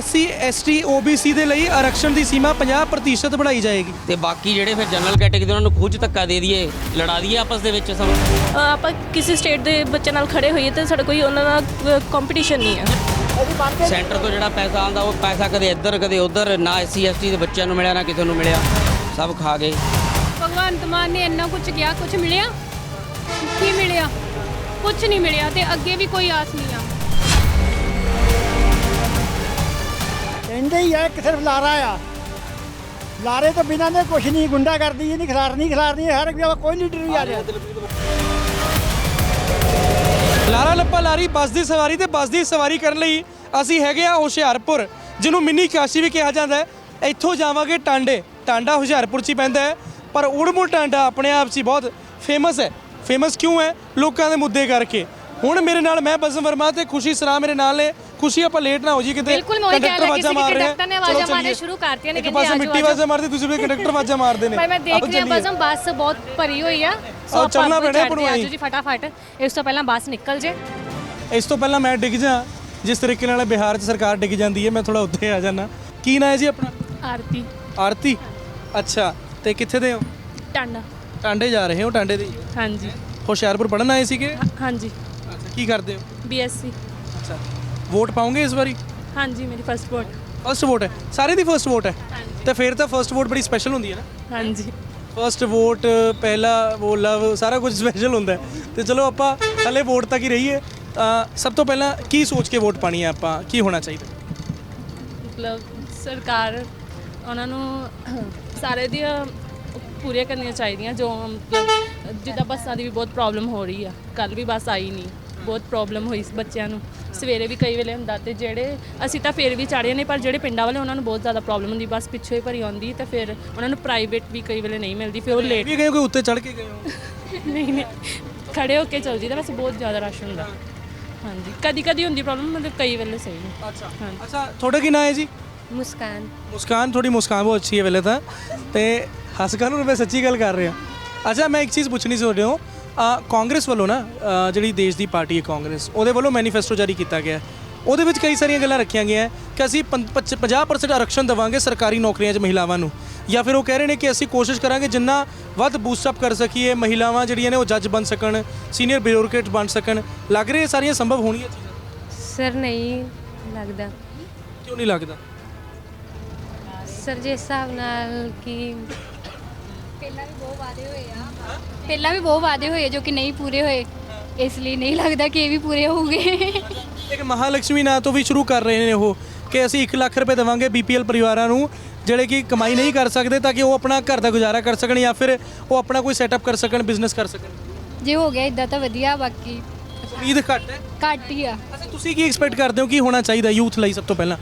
SC ST OBC ਦੇ ਲਈ ਆਰਕਸ਼ਣ ਦੀ ਸੀਮਾ 50% ਵਧਾਈ ਜਾਏਗੀ ਤੇ ਬਾਕੀ ਜਿਹੜੇ ਫਿਰ ਜਨਰਲ ਕੈਟੇਗਰੀ ਉਹਨਾਂ ਨੂੰ ਖੁਦ ਧੱਕਾ ਦੇ ਦਈਏ, ਲੜਾ ਦਈਏ ਆਪਸ ਦੇ ਵਿੱਚ ਸਭ। ਆਪਾਂ ਕਿਸੇ ਸਟੇਟ ਦੇ ਬੱਚੇ ਨਾਲ ਖੜੇ ਹੋਈਏ ਤਾਂ ਸਾਡਾ ਕੋਈ ਉਹਨਾਂ ਨਾਲ ਕੰਪੀਟੀਸ਼ਨ ਨਹੀਂ ਹੈ। ਸੈਂਟਰ ਤੋਂ ਜਿਹੜਾ ਪੈਸਾ ਆਉਂਦਾ ਉਹ ਪੈਸਾ ਕਦੇ ਇੱਧਰ ਕਦੇ ਉੱਧਰ, ਨਾ SC ST ਦੇ ਬੱਚਿਆਂ ਨੂੰ ਮਿਲਿਆ ਨਾ ਕਿਸੇ ਨੂੰ ਮਿਲਿਆ, ਸਭ ਖਾ ਗਏ। ਭਗਵੰਤ ਮਾਨ ਨੇ ਇੰਨਾ ਕੁਝ ਕਿਹਾ, ਕੁਝ ਮਿਲਿਆ? ਕੀ ਮਿਲਿਆ? ਕੁਝ ਨਹੀਂ ਮਿਲਿਆ ਤੇ ਅੱਗੇ ਵੀ ਕੋਈ ਆਸ ਨਹੀਂ ਆ। ਕਹਿੰਦੇ ਹੀ ਆ ਇੱਕ ਸਿਰਫ ਲਾਰਾ ਆ, ਲਾਰੇ ਤੋਂ ਬਿਨਾਂ ਨੇ ਕੁਛ ਨਹੀਂ, ਗੁੰਡਾ ਕਰਦੀ ਨਹੀਂ, ਖਿਲਾਰਨੀ ਹਰ ਇੱਕ ਜਗ੍ਹਾ ਕੋਈ ਲੀਡਰ ਨਹੀਂ ਆ ਰਿਹਾ। ਲਾਰਾ ਲੱਪਾ ਲਾਰੀ ਬੱਸ ਦੀ ਸਵਾਰੀ ਤੇ ਬੱਸ ਦੀ ਸਵਾਰੀ ਕਰਨ ਲਈ ਅਸੀਂ ਹੈਗੇ ਆ ਹੁਸ਼ਿਆਰਪੁਰ, ਜਿਹਨੂੰ ਮਿੰਨੀ ਕਾਸ਼ੀ ਵੀ ਕਿਹਾ ਜਾਂਦਾ ਹੈ। ਇੱਥੋਂ ਜਾਵਾਂਗੇ ਟਾਂਡੇ, ਟਾਂਡਾ ਹੁਸ਼ਿਆਰਪੁਰ 'ਚ ਹੀ ਪੈਂਦਾ ਹੈ, ਪਰ ਉੜਮੁੜ ਟਾਂਡਾ ਆਪਣੇ ਆਪ 'ਚ ਹੀ ਬਹੁਤ ਫੇਮਸ ਹੈ। ਫੇਮਸ ਕਿਉਂ ਹੈ? ਲੋਕਾਂ ਦੇ ਮੁੱਦੇ ਕਰਕੇ। ਹੁਣ ਮੇਰੇ ਨਾਲ ਮੈਂ ਬਸਮ ਵਰਮਾ ਤੇ ਖੁਸ਼ੀ ਸਰਾਂ ਮੇਰੇ ਨਾਲ ਨੇ। ਖੁਸ਼ੀ ਆਪਾਂ ਲੇਟ ਨਾ ਹੋ ਜੀ ਕਿਤੇ, ਬਿਲਕੁਲ ਮੈਂ ਕੰਡਕਟਰ ਆਵਾਜ਼ਾਂ ਮਾਰ ਰਹੇ ਕੰਡਕਟਰ ਨੇ ਆਵਾਜ਼ਾਂ ਮਾਰਨੇ ਸ਼ੁਰੂ ਕਰਤੀਆਂ ਨੇ, ਇੱਕ ਪਾਸੇ ਮਿੱਟੀ ਆਵਾਜ਼ਾਂ ਮਾਰਦੀ, ਦੂਸਰੇ ਪਾਸੇ ਕੰਡਕਟਰ ਆਵਾਜ਼ਾਂ ਮਾਰਦੇ ਨੇ। ਪਰ ਮੈਂ ਦੇਖ ਰਿਹਾ ਬਸਮ ਬੱਸ ਬਹੁਤ ਭਰੀ ਹੋਈ ਆ, ਸੋ ਚੱਲਣਾ ਪੈਣਾ ਪੜਵਾਈ ਜੀ ਫਟਾਫਟ। ਇਸ ਤੋਂ ਪਹਿਲਾਂ ਬੱਸ ਨਿਕਲ ਜੇ। ਇਸ ਤੋਂ ਪਹਿਲਾਂ ਮੈਂ ਡਿੱਗ ਜਾ, ਜਿਸ ਤਰੀਕੇ ਨਾਲ ਬਿਹਾਰ 'ਚ ਸਰਕਾਰ ਡਿੱਗ ਜਾਂਦੀ ਹੈ, ਮੈਂ ਥੋੜਾ ਉੱਤੇ ਆ ਜਾਣਾ। ਕੀ ਨਾਂ ਹੈ ਜੀ ਆਪਣਾ? ਆਰਤੀ। ਆਰਤੀ, ਅੱਛਾ। ਤੇ ਕਿੱਥੇ ਦੇ ਹੋ? ਟਾਂਡਾ। ਟਾਂਡੇ ਜਾ ਰਹੇ ਹੋ? ਟਾਂਡੇ ਦੇ ਹਾਂਜੀ ਹੁਸ਼ਿਆਰਪੁਰ ਪੜ੍ਹਨ ਆਏ ਸੀਗੇ? ਹਾਂਜੀ। ਅੱਛਾ, ਕੀ ਕਰਦੇ ਹੋ? BSc। ਅੱਛਾ, ਵੋਟ ਪਾਉਂਗੇ ਇਸ ਵਾਰੀ? ਹਾਂਜੀ, ਮੇਰੀ ਫਸਟ ਵੋਟ। ਫਸਟ ਵੋਟ ਹੈ? ਸਾਰੇ ਦੀ ਫਸਟ ਵੋਟ ਹੈ? ਤੇ ਫਿਰ ਤਾਂ ਫਸਟ ਵੋਟ ਬੜੀ ਸਪੈਸ਼ਲ ਹੁੰਦੀ ਹੈ ਨਾ। ਹਾਂਜੀ। ਫਸਟ ਵੋਟ, ਪਹਿਲਾ ਉਹ ਲਵ, ਸਾਰਾ ਕੁਝ ਸਪੈਸ਼ਲ ਹੁੰਦਾ ਹੈ। ਤੇ ਚਲੋ ਆਪਾਂ ਹਲੇ ਵੋਟ ਤੱਕ ਹੀ ਰਹੀਏ। ਸਭ ਤੋਂ ਪਹਿਲਾਂ ਕੀ ਸੋਚ ਕੇ ਵੋਟ ਪਾਣੀ ਹੈ ਆਪਾਂ? ਕੀ ਹੋਣਾ ਚਾਹੀਦਾ? ਮਤਲਬ ਸਰਕਾਰ ਉਹਨਾਂ ਨੂੰ ਸਾਰੇ ਦੀਆਂ ਪੂਰੀਆਂ ਕਰਨੀਆਂ ਚਾਹੀਦੀਆਂ, ਜੋ ਮਤਲਬ ਜਿੱਦਾਂ ਬੱਸਾਂ ਦੀ ਵੀ ਬਹੁਤ ਪ੍ਰੋਬਲਮ ਹੋ ਰਹੀ ਆ। ਕੱਲ੍ਹ ਵੀ ਬੱਸ ਆਈ ਨਹੀਂ, ਬਹੁਤ ਪ੍ਰੋਬਲਮ ਹੋਈ ਬੱਚਿਆਂ ਨੂੰ। ਸਵੇਰੇ ਵੀ ਕਈ ਵੇਲੇ ਹੁੰਦਾ, ਤੇ ਜਿਹੜੇ ਅਸੀਂ ਤਾਂ ਫਿਰ ਵੀ ਚਾੜ੍ਹੇ ਨੇ, ਪਰ ਜਿਹੜੇ ਪਿੰਡਾਂ ਵਾਲੇ ਉਹਨਾਂ ਨੂੰ ਬਹੁਤ ਜ਼ਿਆਦਾ ਪ੍ਰੋਬਲਮ ਹੁੰਦੀ। ਬੱਸ ਪਿੱਛੋਂ ਹੀ ਭਰੀ ਆਉਂਦੀ, ਤੇ ਫਿਰ ਉਹਨਾਂ ਨੂੰ ਪ੍ਰਾਈਵੇਟ ਵੀ ਕਈ ਵੇਲੇ ਨਹੀਂ ਮਿਲਦੀ, ਫਿਰ ਉਹ ਲੇਟ ਵੀ ਗਏ ਹੋ, ਕੋਈ ਉੱਤੇ ਚੜ੍ਹ ਕੇ ਗਏ ਹੋ? ਨਹੀਂ ਖੜੇ ਹੋ ਕੇ ਚੱਲ ਜੀਦਾ, ਵੈਸੇ ਬਹੁਤ ਜ਼ਿਆਦਾ ਰਸ਼ ਹੁੰਦਾ। ਹਾਂਜੀ, ਕਦੀ ਕਦੀ ਹੁੰਦੀ ਪ੍ਰੋਬਲਮ, ਮਤਲਬ ਕਈ ਵੇਲੇ ਸਹੀ ਨਹੀਂ। ਅੱਛਾ ਅੱਛਾ, ਤੁਹਾਡਾ ਕੀ ਨਾਂ ਹੈ ਜੀ? ਮੁਸਕਾਨ। ਮੁਸਕਾਨ, ਥੋੜੀ ਮੁਸਕਾਨ ਬਹੁਤ ਅੱਛੀ ਹੈ ਵੇਲੇ ਤਾਂ। ਤੇ ਹੱਸ ਕਰ ਨੂੰ ਮੈਂ ਸੱਚੀ ਗੱਲ ਕਰ ਰਿਹਾ। ਅੱਛਾ, ਮੈਂ ਇੱਕ ਚੀਜ਼ ਪੁੱਛਣੀ ਸੀ ਤੁਹਾਡੇ ਤੋਂ। ਕਾਂਗਰਸ ਵੱਲੋਂ ਨਾ, ਜਿਹੜੀ ਦੇਸ਼ ਦੀ ਪਾਰਟੀ ਹੈ ਕਾਂਗਰਸ, ਉਹਦੇ ਵੱਲੋਂ ਮੈਨੀਫੈਸਟੋ ਜਾਰੀ ਕੀਤਾ ਗਿਆ। ਉਹਦੇ ਵਿੱਚ ਕਈ ਸਾਰੀਆਂ ਗੱਲਾਂ ਰੱਖੀਆਂ ਗਈਆਂ ਕਿ ਅਸੀਂ 50% ਆਰਕਸ਼ਣ ਦੇਵਾਂਗੇ ਸਰਕਾਰੀ ਨੌਕਰੀਆਂ 'ਚ ਮਹਿਲਾਵਾਂ ਨੂੰ, ਜਾਂ ਫਿਰ ਉਹ ਕਹਿ ਰਹੇ ਨੇ ਕਿ ਅਸੀਂ ਕੋਸ਼ਿਸ਼ ਕਰਾਂਗੇ ਜਿੰਨਾ ਵੱਧ ਬੂਸਟਅਪ ਕਰ ਸਕੀਏ, ਮਹਿਲਾਵਾਂ ਜਿਹੜੀਆਂ ਨੇ ਉਹ ਜੱਜ ਬਣ ਸਕਣ, ਸੀਨੀਅਰ ਬਿਊਰੋਕਰੇਟ ਬਣ ਸਕਣ। ਲੱਗ ਰਿਹਾ ਇਹ ਸਾਰੀਆਂ ਸੰਭਵ ਹੋਣੀਆਂ ਚੀਜ਼ਾਂ? ਸਰ ਨਹੀਂ ਲੱਗਦਾ। ਕਿਉਂ ਨਹੀਂ ਲੱਗਦਾ? ਸਰ ਜਿਸ ਹਿਸਾਬ ਨਾਲ ਕਿ ਪਹਿਲਾਂ ਵੀ ਬਹੁਤ ਵਾਅਦੇ ਹੋਏ ਜੋ ਕਿ ਨਹੀਂ ਪੂਰੇ ਹੋਏ, ਇਸ ਲਈ ਨਹੀਂ ਲੱਗਦਾ ਕਿ ਇਹ ਵੀ ਪੂਰੇ ਹੋਊਗੇ। ਇੱਕ ਮਹਾਲਕਸ਼ਮੀ ਨਾਂ ਤੋਂ ਵੀ ਸ਼ੁਰੂ ਕਰ ਰਹੇ ਨੇ ਉਹ, ਕਿ ਅਸੀਂ 1 ਲੱਖ ਰੁਪਏ ਦੇਵਾਂਗੇ BPL ਪਰਿਵਾਰਾਂ ਨੂੰ ਜਿਹੜੇ ਕਿ ਕਮਾਈ ਨਹੀਂ ਕਰ ਸਕਦੇ, ਤਾਂ ਕਿ ਉਹ ਆਪਣਾ ਘਰ ਦਾ ਗੁਜ਼ਾਰਾ ਕਰ ਸਕਣ, ਜਾਂ ਫਿਰ ਉਹ ਆਪਣਾ ਕੋਈ ਸੈਟਅਪ ਕਰ ਸਕਣ, ਬਿਜ਼ਨਸ ਕਰ ਸਕਣ। ਜੇ ਹੋ ਗਿਆ ਇਦਾਂ ਤਾਂ ਵਧੀਆ, ਬਾਕੀ ਉਮੀਦ ਘੱਟ ਹੈ। ਘੱਟ ਹੀ ਆ। ਅੱਛਾ, ਤੁਸੀਂ ਕੀ ਐਕਸਪੈਕਟ ਕਰਦੇ ਹੋ ਕੀ ਹੋਣਾ ਚਾਹੀਦਾ ਯੂਥ ਲਈ? ਸਭ ਤੋਂ ਪਹਿਲਾਂ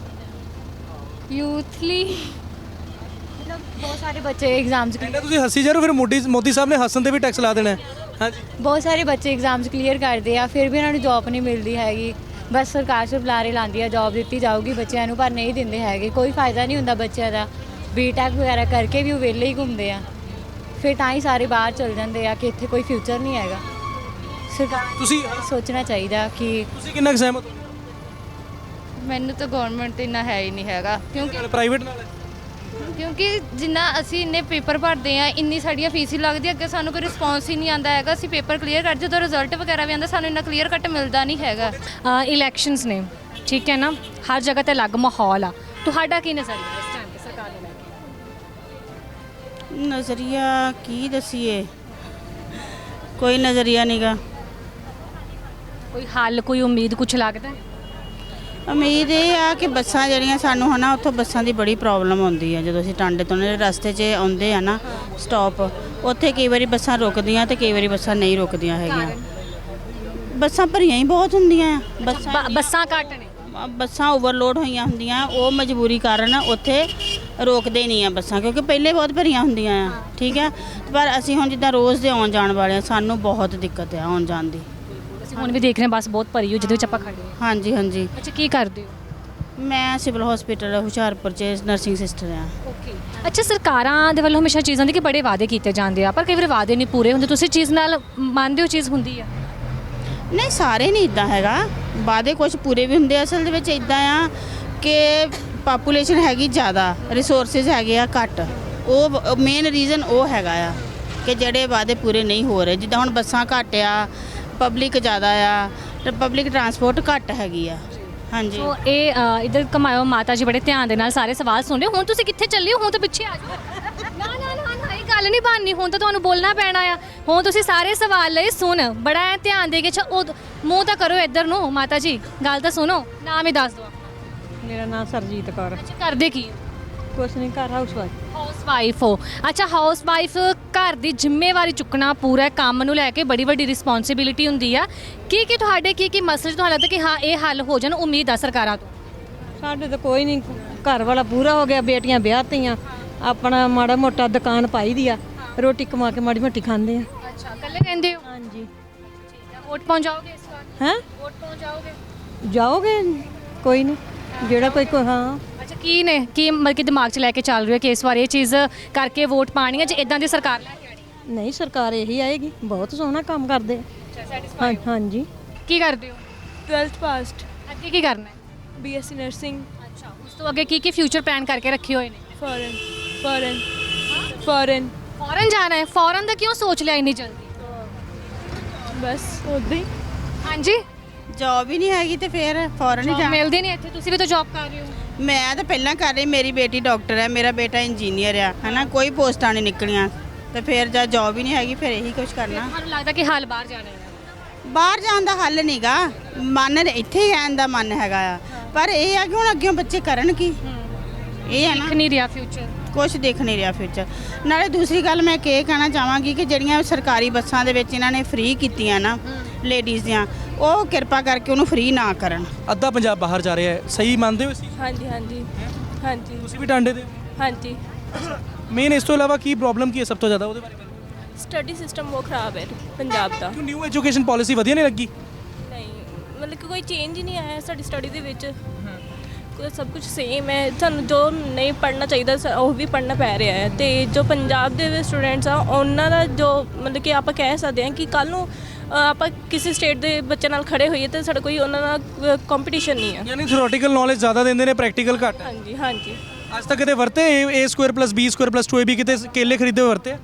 ਯੂਥ ਲਈ ਮਤਲਬ ਬਹੁਤ ਸਾਰੇ ਬੱਚੇ ਐਗਜ਼ਾਮਸ ਕਹਿੰਦਾ ਤੁਸੀਂ ਹੱਸੀ ਜਾ ਰਹੇ ਹੋ, ਫਿਰ ਮੋਦੀ ਸਾਹਿਬ ਨੇ ਹੱਸਣ ਤੇ ਵੀ ਟੈਕਸ ਲਾ ਦੇਣਾ ਹੈ। ਹਾਂਜੀ, ਬਹੁਤ ਸਾਰੇ ਬੱਚੇ ਐਗਜ਼ਾਮਸ ਕਲੀਅਰ ਕਰਦੇ ਆ, ਫਿਰ ਵੀ ਉਹਨਾਂ ਨੂੰ ਜੌਬ ਨਹੀਂ ਮਿਲਦੀ ਹੈਗੀ। ਬਸ ਸਰਕਾਰ ਸਿਰਫ ਲਾਰੇ ਲਾਉਂਦੀ ਆ, ਜੌਬ ਦਿੱਤੀ ਜਾਊਗੀ ਬੱਚਿਆਂ ਨੂੰ, ਪਰ ਨਹੀਂ ਦਿੰਦੇ ਹੈਗੇ। ਕੋਈ ਫਾਇਦਾ ਨਹੀਂ ਹੁੰਦਾ ਬੱਚਿਆਂ ਦਾ। BTech ਵਗੈਰਾ ਕਰਕੇ ਵੀ ਉਹ ਵਿਹਲੇ ਹੀ ਘੁੰਮਦੇ ਆ, ਫਿਰ ਤਾਂ ਹੀ ਸਾਰੇ ਬਾਹਰ ਚਲ ਜਾਂਦੇ ਆ ਕਿ ਇੱਥੇ ਕੋਈ ਫਿਊਚਰ ਨਹੀਂ ਹੈਗਾ। ਸਰਕਾਰ ਤੁਸੀਂ ਸੋਚਣਾ ਚਾਹੀਦਾ ਕਿ ਤੁਸੀਂ ਕਿੰਨਾ ਸਹਿਮਤ ਹੋ? ਮੈਨੂੰ ਤਾਂ ਗਵਰਨਮੈਂਟ ਇੰਨਾ ਹੈ ਹੀ ਨਹੀਂ ਹੈਗਾ, ਕਿਉਂਕਿ ਪ੍ਰਾਈਵੇਟ ਨਾਲ? ਜਿੰਨਾ ਅਸੀਂ ਇੰਨੇ ਪੇਪਰ ਭਰਦੇ ਆ, ਇੰਨੀ ਸਾਡੀਆਂ ਫੀਸ ਹੀ ਲੱਗਦੀ, ਅੱਗੇ ਸਾਨੂੰ ਕੋਈ ਰਿਸਪੌਂਸ ਹੀ ਨਹੀਂ ਆਉਂਦਾ ਹੈਗਾ। ਅਸੀਂ ਪੇਪਰ ਕਲੀਅਰ ਕਰ, ਜਦੋਂ ਰਿਜ਼ਲਟ ਵਗੈਰਾ ਵੀ ਆਉਂਦਾ ਸਾਨੂੰ ਇੰਨਾ ਕਲੀਅਰ ਕੱਟ ਮਿਲਦਾ ਨਹੀਂ ਹੈਗਾ। ਇਲੈਕਸ਼ਨਸ ਨੇ, ਠੀਕ ਹੈ ਨਾ, ਹਰ ਜਗ੍ਹਾ ਤੇ ਅਲੱਗ ਮਾਹੌਲ ਆ। ਤੁਹਾਡਾ ਕੀ ਨਜ਼ਰੀਆ ਇਸ ਟਾਈਮ ਤੇ ਸਰਕਾਰ ਨੂੰ ਲੈ ਕੇ? ਨਜ਼ਰੀਆ ਕੀ ਦਸੀਏ, ਕੋਈ ਨਜ਼ਰੀਆ ਨਹੀਂਗਾ। ਕੋਈ ਹੱਲ, ਕੋਈ ਉਮੀਦ, ਕੁਝ ਲੱਗਦਾ? ਉਮੀਦ ਇਹ ਆ ਕਿ ਬੱਸਾਂ ਜਿਹੜੀਆਂ ਸਾਨੂੰ ਹੈ ਨਾ, ਉੱਥੋਂ ਬੱਸਾਂ ਦੀ ਬੜੀ ਪ੍ਰੋਬਲਮ ਆਉਂਦੀ ਹੈ। ਜਦੋਂ ਅਸੀਂ ਟਾਂਡੇ ਤੋਂ ਰਸਤੇ 'ਚ ਆਉਂਦੇ ਆ ਨਾ ਸਟਾਪ, ਉੱਥੇ ਕਈ ਵਾਰੀ ਬੱਸਾਂ ਰੁਕਦੀਆਂ ਤੇ ਕਈ ਵਾਰੀ ਬੱਸਾਂ ਨਹੀਂ ਰੁਕਦੀਆਂ ਹੈਗੀਆਂ। ਬੱਸਾਂ ਭਰੀਆਂ ਹੀ ਬਹੁਤ ਹੁੰਦੀਆਂ ਆ। ਬੱਸਾਂ ਘੱਟ ਨੇ, ਬੱਸਾਂ ਓਵਰਲੋਡ ਹੋਈਆਂ ਹੁੰਦੀਆਂ, ਉਹ ਮਜਬੂਰੀ ਕਾਰਨ ਉੱਥੇ ਰੋਕਦੇ ਨਹੀਂ ਆ ਬੱਸਾਂ, ਕਿਉਂਕਿ ਪਹਿਲੇ ਬਹੁਤ ਭਰੀਆਂ ਹੁੰਦੀਆਂ ਆ। ਠੀਕ ਹੈ, ਪਰ ਅਸੀਂ ਹੁਣ ਜਿੱਦਾਂ ਰੋਜ਼ ਦੇ ਆਉਣ ਜਾਣ ਵਾਲੇ ਆ, ਸਾਨੂੰ ਬਹੁਤ ਦਿੱਕਤ ਆ ਆਉਣ ਜਾਣ ਦੀ। ਹੁਣ ਵੀ ਦੇਖ ਰਹੇ ਬੱਸ ਬਹੁਤ ਭਰੀ ਹੋ ਜਿਹਦੇ ਵਿੱਚ ਆਪਾਂ ਖੜੇ ਹਾਂ। ਹਾਂਜੀ ਹਾਂਜੀ। ਅੱਛਾ, ਕੀ ਕਰਦੇ ਹੋ? ਮੈਂ ਸਿਵਲ ਹਸਪੀਟਲ ਹੁਸ਼ਿਆਰਪੁਰ 'ਚ ਨਰਸਿੰਗ ਸਿਸਟਰ ਆ। ਓਕੇ। ਅੱਛਾ, ਸਰਕਾਰਾਂ ਦੇ ਵੱਲੋਂ ਹਮੇਸ਼ਾ ਚੀਜ਼ਾਂ ਦੀ ਕਿ ਬੜੇ ਵਾਅਦੇ ਕੀਤੇ ਜਾਂਦੇ ਆ, ਪਰ ਕਈ ਵਾਰ ਵਾਅਦੇ ਨਹੀਂ ਪੂਰੇ ਹੁੰਦੇ। ਤੁਸੀਂ ਚੀਜ਼ ਨਾਲ ਮੰਨਦੇ ਹੋ ਚੀਜ਼ ਹੁੰਦੀ ਆ? ਨਹੀਂ, ਸਾਰੇ ਨਹੀਂ ਇੱਦਾਂ ਹੈਗਾ, ਵਾਅਦੇ ਕੁਝ ਪੂਰੇ ਵੀ ਹੁੰਦੇ। ਅਸਲ ਦੇ ਵਿੱਚ ਇੱਦਾਂ ਆ ਕਿ ਪਾਪੂਲੇਸ਼ਨ ਹੈਗੀ ਜ਼ਿਆਦਾ, ਰਿਸੋਰਸਿਸ ਹੈਗੇ ਆ ਘੱਟ। ਉਹ ਮੇਨ ਰੀਜ਼ਨ ਉਹ ਹੈਗਾ ਆ ਕਿ ਜਿਹੜੇ ਵਾਅਦੇ ਪੂਰੇ ਨਹੀਂ ਹੋ ਰਹੇ। ਜਿੱਦਾਂ ਹੁਣ ਬੱਸਾਂ ਘੱਟ ਆ, ਪਬਲਿਕ ਜ਼ਿਆਦਾ ਆ, ਤੇ ਪਬਲਿਕ ਟਰਾਂਸਪੋਰਟ ਘੱਟ ਹੈਗੀ ਆ। ਹਾਂਜੀ ਸੋ ਇਹ ਇਧਰ ਕਮਾਇਓ ਮਾਤਾ ਜੀ ਬੜੇ ਧਿਆਨ ਦੇ ਨਾਲ ਸਾਰੇ ਸਵਾਲ ਸੁਣ ਰਹੇ ਹੋ। ਹੁਣ ਤੁਸੀਂ ਕਿੱਥੇ ਚੱਲੇ ਹੋ? ਹੁਣ ਤਾਂ ਪਿੱਛੇ ਆ ਜਾਓ। ਨਾ ਇਹ ਗੱਲ ਨਹੀਂ ਬਣਨੀ, ਹੁਣ ਤਾਂ ਤੁਹਾਨੂੰ ਬੋਲਣਾ ਪੈਣਾ ਆ। ਹੁਣ ਤੁਸੀਂ ਸਾਰੇ ਸਵਾਲ ਲਈ ਸੁਣ, ਬੜਾ ਐਂ ਧਿਆਨ ਦੇ ਕੇ ਉਹ ਮੂੰਹ ਤਾਂ ਕਰੋ ਇੱਧਰ ਨੂੰ। ਮਾਤਾ ਜੀ ਗੱਲ ਤਾਂ ਸੁਣੋ, ਨਾਮ ਹੀ ਦੱਸ ਦਿਓ। ਮੇਰਾ ਨਾਮ ਸਰਜੀਤ ਕੌਰ। ਅੱਛਾ, ਕਰਦੇ ਕੀ ਹੋ? ਕੁਛ ਨਹੀਂ, ਘਰ ਹਾਊਸਵਾਈਫ। ਹਾਊਸਵਾਈਫ ਹੋ। ਅੱਛਾ, ਹਾਊਸਵਾਈਫ ਘਰ ਦੀ ਜ਼ਿੰਮੇਵਾਰੀ ਚੁੱਕਣਾ, ਪੂਰਾ ਕੰਮ ਨੂੰ ਲੈ ਕੇ ਬੜੀ ਵੱਡੀ ਰਿਸਪੌਂਸਿਬਿਲਿਟੀ ਹੁੰਦੀ ਆ। ਕੀ ਤੁਹਾਡੇ ਕੀ ਮਸਲੇ ਤੁਹਾਨੂੰ ਲੱਗਦਾ ਕਿ ਹਾਂ ਇਹ ਹੱਲ ਹੋ ਜਾਣ? ਉਮੀਦ ਆ ਸਰਕਾਰਾਂ ਤੋਂ? ਸਾਡੇ ਤਾਂ ਕੋਈ ਨਹੀਂ, ਘਰ ਵਾਲਾ ਪੂਰਾ ਹੋ ਗਿਆ, ਬੇਟੀਆਂ ਵਿਆਹਤੀਆਂ, ਆਪਣਾ ਮਾੜਾ ਮੋਟਾ ਦੁਕਾਨ ਪਾਈ ਦੀ ਆ, ਰੋਟੀ ਕਮਾ ਕੇ ਮਾੜੀ ਮੋਟੀ ਖਾਂਦੇ ਆ। ਅੱਛਾ, ਇਕੱਲੇ ਰਹਿੰਦੇ ਹੋ? ਹਾਂਜੀ। ਠੀਕ ਹੈ, ਵੋਟ ਪਹੁੰਚਾਓਗੇ ਇਸ ਵਾਰ? ਹੈਂ? ਵੋਟ ਪਹੁੰਚਾਓਗੇ? ਜਾਓਗੇ? ਕੋਈ ਨਹੀਂ, ਜਿਹੜਾ ਕੋਈ ਹਾਂ। ਅੱਛਾ, ਕੀ ਨੇ ਕੀ ਮਤਲਬ ਕਿ ਦਿਮਾਗ 'ਚ ਲੈ ਕੇ ਚੱਲ ਰਹੀ ਹੈ ਕਿ ਇਸ ਵਾਰ ਇਹ ਚੀਜ਼ ਕਰਕੇ ਵੋਟ ਪਾਣੀ ਹੈ ਜੇ ਇਦਾਂ ਦੀ ਸਰਕਾਰ ਲੈ ਕੇ ਆਣੀ? ਨਹੀਂ, ਸਰਕਾਰ ਇਹੀ ਆਏਗੀ, ਬਹੁਤ ਸੋਹਣਾ ਕੰਮ ਕਰਦੇ ਆ। ਹਾਂ ਹਾਂਜੀ। ਕੀ ਕਰਦੇ ਹੋ? 12th ਪਾਸਡ, ਅੱਗੇ ਕੀ ਕਰਨਾ ਹੈ? BSc nursing. ਅੱਛਾ, ਉਸ ਤੋਂ ਅੱਗੇ ਕੀ ਫਿਊਚਰ ਪਲਾਨ ਕਰਕੇ ਰੱਖੇ ਹੋਏ ਨੇ? ਫੋਰਨ। ਫੋਰਨ ਜਾਣਾ ਹੈ? ਫੋਰਨ ਦਾ ਕਿਉਂ ਸੋਚ ਲਿਆ ਇੰਨੀ ਜਲਦੀ? ਬਸ ਉਦਾਂ ਹੀ। ਹਾਂਜੀ, ਜੌਬ ਹੀ ਨਹੀਂ ਹੈਗੀ ਤੇ ਫਿਰ ਫੌਰਨ ਹੀ ਜੌਬ ਜਾਣਾ। ਮਿਲਦੀ ਨਹੀਂ ਇੱਥੇ? ਤੁਸੀਂ ਵੀ ਤਾਂ ਜੌਬ ਕਰ ਰਹੇ ਹੋ। ਮੈਂ ਤਾਂ ਪਹਿਲਾਂ ਕਰ ਰਹੀ, ਮੇਰੀ ਬੇਟੀ ਡਾਕਟਰ ਹੈ, ਮੇਰਾ ਬੇਟਾ ਇੰਜੀਨੀਅਰ ਆ, ਹਨਾ, ਕੋਈ ਪੋਸਟਾਂ ਨਹੀਂ ਨਿਕਲੀਆਂ ਤੇ ਫਿਰ ਜਦ ਜੌਬ ਹੀ ਨਹੀਂ ਹੈਗੀ ਫਿਰ ਇਹੀ ਕੁਝ ਕਰਨਾ। ਤੁਹਾਨੂੰ ਲੱਗਦਾ ਕਿ ਹਾਲ ਬਾਹਰ ਜਾਣਾ ਹੈ? ਬਾਹਰ ਜਾਣ ਦਾ ਹੱਲ ਨਹੀਂਗਾ, ਮਨ ਇੱਥੇ ਹੀ ਰਹਿਣ ਦਾ ਮਨ ਹੈਗਾ ਆ। ਪਰ ਇਹ ਆ ਕਿ ਹੁਣ ਅੱਗੇ ਬੱਚੇ ਕਰਨ ਕੀ, ਇਹ ਹੈ ਨਾ, ਦੇਖ ਨਹੀਂ ਰਿਹਾ ਫਿਊਚਰ। ਕੁਝ ਦਿਖ ਨਹੀਂ ਰਿਹਾ ਫਿਊਚਰ। ਨਾਲੇ ਦੂਸਰੀ ਗੱਲ ਮੈਂ ਇਹ ਕਹਿਣਾ ਚਾਹਾਂਗੀ ਕਿ ਜਿਹੜੀਆਂ ਸਰਕਾਰੀ ਬੱਸਾਂ ਦੇ ਵਿੱਚ ਇਹਨਾਂ ਨੇ ਫ੍ਰੀ ਕੀਤੀਆਂ ਨਾ ਲੇਡੀਜ਼ ਦੀਆਂ, ਉਹ ਕਿਰਪਾ ਕਰਕੇ ਉਹਨੂੰ ਫ੍ਰੀ ਨਾ ਕਰਨ। ਅੱਧਾ ਪੰਜਾਬ ਬਾਹਰ ਜਾ ਰਿਹਾ ਹੈ, ਸਹੀ ਮੰਨਦੇ ਹੋ ਇਸ ਚੀਜ਼? ਹਾਂਜੀ ਤੁਸੀਂ ਵੀ ਟਾਂਡੇ ਦੇ? ਹਾਂਜੀ। ਮੇਨ ਇਸ ਤੋਂ ਇਲਾਵਾ ਕੀ ਪ੍ਰੋਬਲਮ ਕੀ ਹੈ ਸਭ ਤੋਂ ਜ਼ਿਆਦਾ, ਉਹਦੇ ਬਾਰੇ ਗੱਲ? ਸਟੱਡੀ ਸਿਸਟਮ ਬਹੁਤ ਖਰਾਬ ਹੈ ਪੰਜਾਬ ਦਾ। ਕਿਉਂ ਨਿਊ ਐਜੂਕੇਸ਼ਨ ਪਾਲਿਸੀ ਵਧੀਆ ਨਹੀਂ ਲੱਗੀ? ਨਹੀਂ, ਮਤਲਬ ਕਿ ਕੋਈ ਚੇਂਜ ਹੀ ਨਹੀਂ ਆਇਆ ਸਾਡੀ ਸਟੱਡੀ ਦੇ ਵਿੱਚ। ਸਭ ਕੁਝ ਸੇਮ ਹੈ। ਸਾਨੂੰ ਜੋ ਨਹੀਂ ਪੜ੍ਹਨਾ ਚਾਹੀਦਾ ਉਹ ਵੀ ਪੜ੍ਹਨਾ ਪੈ ਰਿਹਾ ਹੈ। ਤੇ ਜੋ ਪੰਜਾਬ ਦੇ ਸਟੂਡੈਂਟਸ ਆ ਉਹਨਾਂ ਦਾ ਜੋ ਮਤਲਬ ਕਿ ਆਪਾਂ ਕਹਿ ਸਕਦੇ ਹਾਂ ਕਿ ਕੱਲ੍ਹ ਨੂੰ ਆਪਾਂ ਕਿਸੇ ਸਟੇਟ ਦੇ ਬੱਚੇ ਨਾਲ ਖੜੇ ਹੋਈਏ ਤਾਂ ਸਾਡਾ ਕੋਈ ਉਹਨਾਂ ਨਾਲ ਕੰਪੀਟੀਸ਼ਨ ਨਹੀਂ ਹੈ। ਯਾਨੀ ਥਿਓਰੀਟੀਕਲ ਨੌਲੇਜ ਜ਼ਿਆਦਾ ਦਿੰਦੇ ਨੇ, ਪ੍ਰੈਕਟੀਕਲ ਘੱਟ ਹੈ। ਹਾਂਜੀ। ਅੱਜ ਤੱਕ ਕਿਤੇ ਵਰਤੇ A² + B² + 2AB ਕਿਤੇ ਕੇਲੇ ਖਰੀਦੇ ਵਰਤੇ?